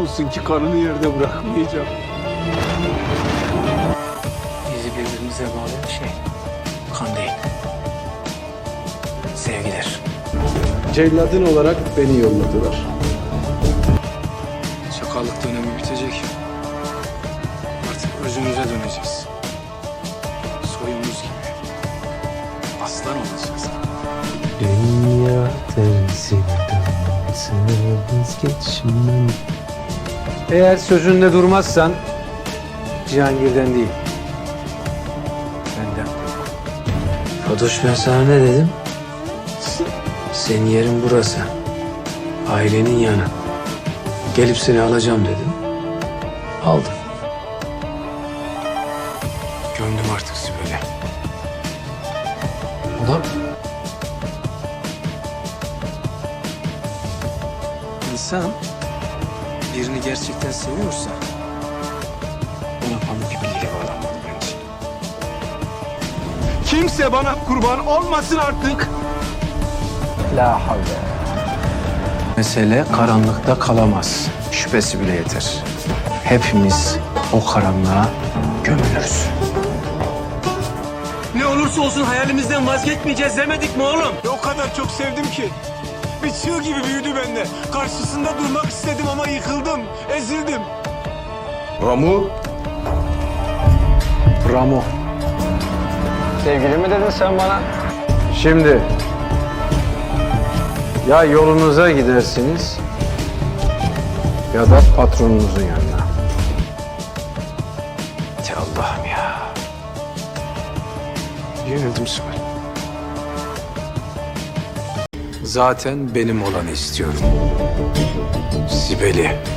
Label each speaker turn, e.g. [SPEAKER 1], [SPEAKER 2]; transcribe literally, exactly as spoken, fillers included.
[SPEAKER 1] olsun ki kanını yerde bırakmayacağım.
[SPEAKER 2] Bizi birbirimize bağlayan şey kan değil, sevgidir.
[SPEAKER 1] Celladın olarak beni yolladılar.
[SPEAKER 2] Çakallık dönemi bitecek. Artık özümüze döneceğiz. Soyumuz gibi. Aslan olacağız.
[SPEAKER 3] Dünya tersine dönse vazgeçmem. Eğer sözünde durmazsan Cihangir'den değil, benden kork.
[SPEAKER 2] Fatoş, ben sana ne dedim? Senin yerin burası. Ailenin yanı. Gelip seni alacağım dedim. Aldım. Gömdüm artık Sibel'i.
[SPEAKER 3] Ulan
[SPEAKER 2] İnsan birini gerçekten seviyorsa ona pamuk ipliğiyle bağlanmalı bence.
[SPEAKER 1] Kimse bana kurban olmasın artık.
[SPEAKER 3] la havle.
[SPEAKER 2] Mesele karanlıkta kalamaz. Şüphesi bile yeter. Hepimiz o karanlığa gömülürüz.
[SPEAKER 4] Ne olursa olsun hayalimizden vazgeçmeyeceğiz demedik mi oğlum?
[SPEAKER 1] O kadar çok sevdim ki. Bir çığ gibi büyüdü bende. Karşısında durmak istedim ama yıkıldım, ezildim.
[SPEAKER 5] Ramu,
[SPEAKER 2] Ramo.
[SPEAKER 3] Sevgili mi dedin sen bana? Şimdi ya yolunuza gidersiniz ya da patronunuzun yanına.
[SPEAKER 2] Ya Allah'ım ya. Yenildim Sibel. Zaten benim olanı istiyorum. Sibel'i.